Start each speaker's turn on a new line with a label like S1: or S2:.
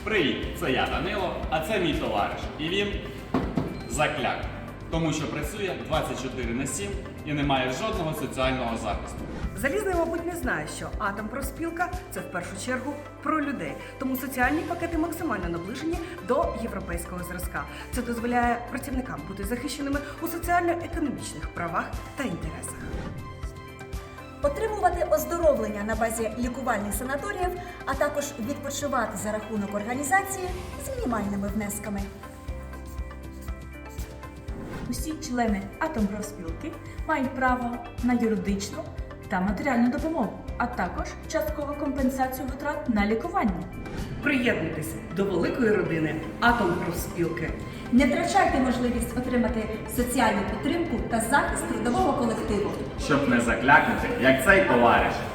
S1: Привіт, це я Данило, а це мій товариш. І він закляк, тому що працює 24/7 і не має жодного соціального захисту.
S2: Залізний, мабуть, не знає, що Атомпрофспілка – це в першу чергу про людей. Тому соціальні пакети максимально наближені до європейського зразка. Це дозволяє працівникам бути захищеними у соціально-економічних правах та інтересах.
S3: Отримувати оздоровлення на базі лікувальних санаторіїв, а також відпочивати за рахунок організації з мінімальними внесками.
S4: Усі члени Атомпрофспілки мають право на юридичну та матеріальну допомогу, а також часткову компенсацію витрат на лікування.
S2: Приєднуйтесь до великої родини Атомпрофспілки.
S3: Не втрачайте можливість отримати соціальну підтримку та захист трудового колективу.
S1: Щоб не заклякнути, як цей товариш.